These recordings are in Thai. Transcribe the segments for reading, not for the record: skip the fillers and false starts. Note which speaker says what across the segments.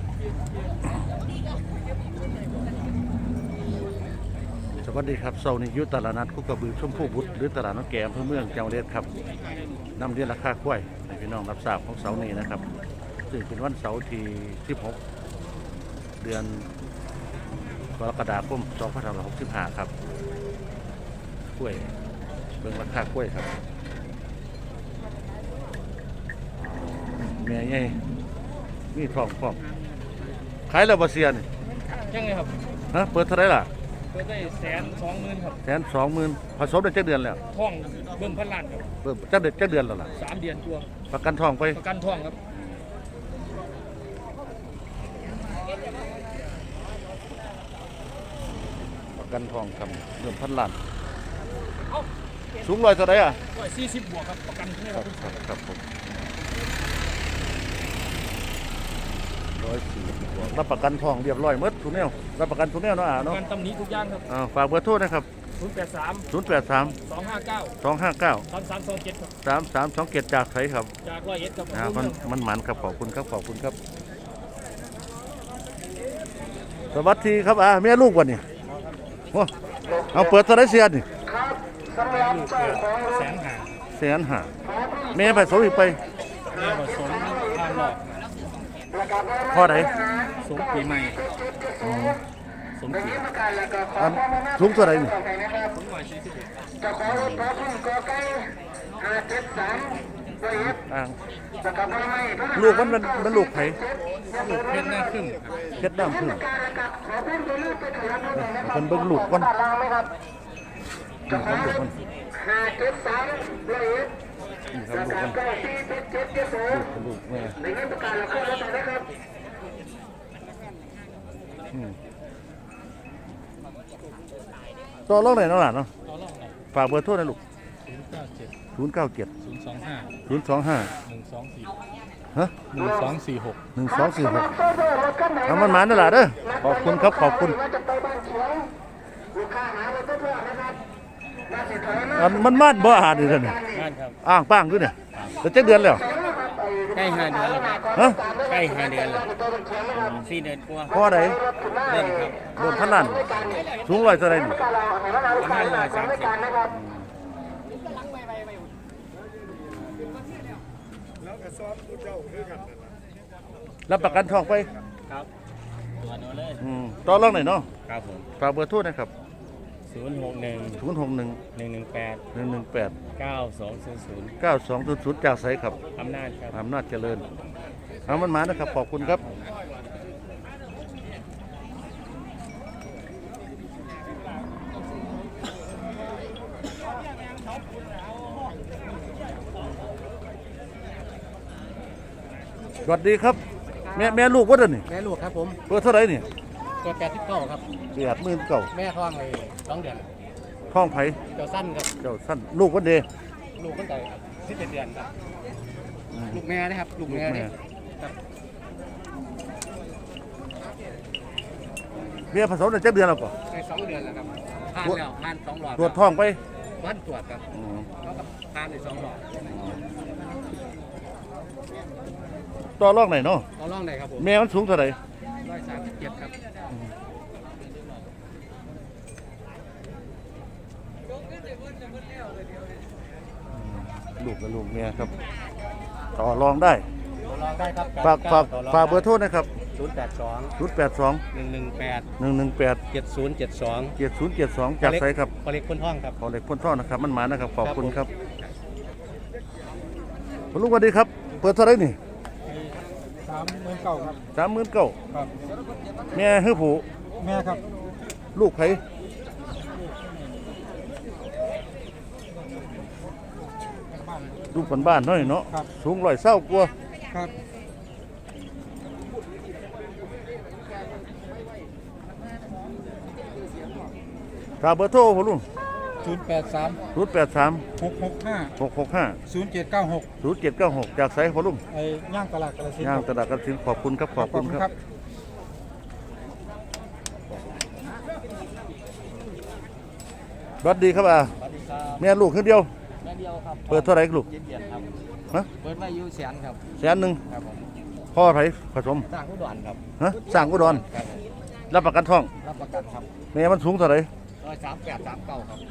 Speaker 1: สวัสดีครับเสาร์นี้ยุตลาดนัดคุกกระบือชมพูบุตรหรือตลาดน้องแกมเพื่อเมืองจังหวัดครับนำเรียนราคากล้วยให้พี่น้องรับทราบของเสาร์นี้นะครับซึ่งเป็นวันเสาร์ที่16 เดือนกรกฎาคม2565ครับกล้วยเบิ่งราคากล้วยครับแม่ใหญ่มีทองพร้อมขายแล้วบ่เสียนี่
Speaker 2: ยังไงครับ
Speaker 1: ฮะเปิดเท่าไหร่ล่ะ
Speaker 2: เปิดได้120,000ครับ
Speaker 1: 120,000ผสมได้7 เดือนแล้ว
Speaker 2: ท่องเบิ่มพันล้านครับ
Speaker 1: เบิ่มจักเดือนแล้วล่ะ
Speaker 2: 3 เดือนตัว
Speaker 1: ประกันทองไป
Speaker 2: ประกันท่องครับ
Speaker 1: ประกันทองครับเริ่มพันล้านสูงร้อยเท่าไหร่อ่ะ
Speaker 2: 140บวกครับประกันให้ครับ
Speaker 1: ครับผม140บวกรับประกันทองเรียบร้อยหมดทุกแนวรับประกันทุกแนวเนาะเนาะ
Speaker 2: ประกันตำหนิทุกอย่างครับ
Speaker 1: ฝากเบอร์โทรนะครับ
Speaker 2: 083 259 3327ครับ
Speaker 1: 3327จากไสครับ
Speaker 2: จาก101ครับ
Speaker 1: มันหมันครับขอบคุณครับสวัสดีครับแม่ลูกวันนี้โอ้เอาเปิดเท่าไหร่เสียนี่150,000แม่ไปสมอีกไป
Speaker 2: แม่ผสมทางหลอก
Speaker 1: พ่อไหน
Speaker 2: สมปีใหม่สมเกียรติ
Speaker 1: สูงเท่าไหร่นี่ลูกมันลูกไผ่
Speaker 2: ลูกเพชรหน้าครึ่ง
Speaker 1: เพชรดำครึ่งคนเบิ่งลูกก่อนนี่ครับลูกมันลูกแม่ต่อรองไหนน้องหลานเนาะฝากเบอร์โทรหน่อยลูก097 025 ฮะ1246ทำมันหมานั่นแหละเด้อขอบคุณครับขอบคุณมันมาดบ่อาดเลยเนี่ยอ้างป้างด้วยเนี่ยจะ7 เดือนแล้ว
Speaker 2: ใกล้5 เดือนแล้ว
Speaker 1: ฮะ
Speaker 2: ใกล้5 เดือนแล้ว4 เดือนกว่า
Speaker 1: พ่อไหน
Speaker 2: เริ่มครับ
Speaker 1: โดนพันล้านสูงร้อยเท่าไรนี่
Speaker 2: ประมาณ130
Speaker 1: รับประกันทองไป
Speaker 2: ครับตัวนู้นเลย
Speaker 1: ต่อรองหน่อยเนาะ
Speaker 2: ครับผม
Speaker 1: ฝากเบอร์โทรนะครับ
Speaker 2: 061 118 9200
Speaker 1: จากไสครับ
Speaker 2: อำนาจครับ
Speaker 1: อำนาจเจริญเอามันมานะครับขอบคุณครับสวัสดีครับแม่ลูกว่าเดินนี่
Speaker 2: แม่ลูกครับผม
Speaker 1: เปิดเท่าไหร่นี่
Speaker 2: เปิด89ครับ
Speaker 1: 89,000
Speaker 2: แม่ท้องเลย2 เดือน
Speaker 1: ท้องไผ
Speaker 2: เจ้าสั้นครับ
Speaker 1: เจ้าสั้นลูกวันเดย์
Speaker 2: ลูกตั้งแต่17 เดือนครับลูกแม่นะครับลูกแม่ครับ
Speaker 1: เมียผสมได้7 เดือนแล้วก็
Speaker 2: ใน2 เดือนแล้วครับผ่านแล้วผ่าน2 หลอด
Speaker 1: ตรวจท้องไป
Speaker 2: วันตรวจครับแล้วก็ผ่านใน2 หลอด
Speaker 1: ต่อรองไหนเนาะ
Speaker 2: ต่อรองไหนครับผม
Speaker 1: แม่มันสูงเท่าไหร่
Speaker 2: 137ครับ
Speaker 1: ลูกกับลูกเมียครับต่อรองได้
Speaker 2: ครับ
Speaker 1: ฝากเบอร์โทรนะครับ
Speaker 2: 082
Speaker 1: 118 7072จากไสครับ
Speaker 2: พอเล็กพ่นท่องครับ
Speaker 1: พอเล็กพ่นท่องนะครับมันหมานะครับขอบคุณครับลูกสวัสดีครับเปิดเท่าไหร่นี่
Speaker 2: 39,000ครับ
Speaker 1: 39,000
Speaker 2: ครับ
Speaker 1: แม่ฮื้อผู้
Speaker 2: แม่ครับ
Speaker 1: ลูกไผลูกบ้านๆน้อยเนาะสูง120กว่า
Speaker 2: ครับ
Speaker 1: ฝากเบอร์โทรผมลุง
Speaker 2: 083 665 0796
Speaker 1: จากไสพอลุง
Speaker 2: ย่างตลาดกระสิน
Speaker 1: ย่างตลาดกระสินขอบคุณครับขอบคุณครับสวัสดีครับแม่ลูกคนเดียว
Speaker 2: แม่เดียวครับ
Speaker 1: เปิดเท่าไหร่ลูก
Speaker 2: ฮะเปิดไว้อยู่100,000ครับ
Speaker 1: 100,000
Speaker 2: ครับผม
Speaker 1: พ่อไผผสม
Speaker 2: สร้างอุดรครับ
Speaker 1: ฮะสร้างอุดร
Speaker 2: ครับ
Speaker 1: รับประกันท้อง
Speaker 2: รับประกันครับ
Speaker 1: แม่มันสูงเท่าไหร่
Speaker 2: 13839ครับ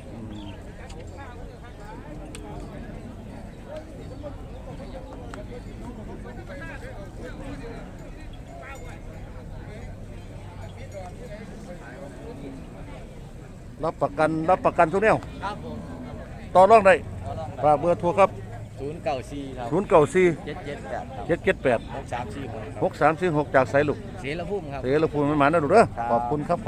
Speaker 1: รับประกันทุกแนว
Speaker 2: ครับผม
Speaker 1: ต่อรองได้
Speaker 2: เอาลอง
Speaker 1: ฝากเบอร์โทรครับ
Speaker 2: 094ครับ
Speaker 1: 094
Speaker 2: 778ครับ
Speaker 1: 778
Speaker 2: 6346ครับ
Speaker 1: 6346จากไสลูก
Speaker 2: เสรภูมิครับ
Speaker 1: เสรภูมิมันหมานะลูกเด้อ
Speaker 2: ครับ
Speaker 1: ขอบคุณครับ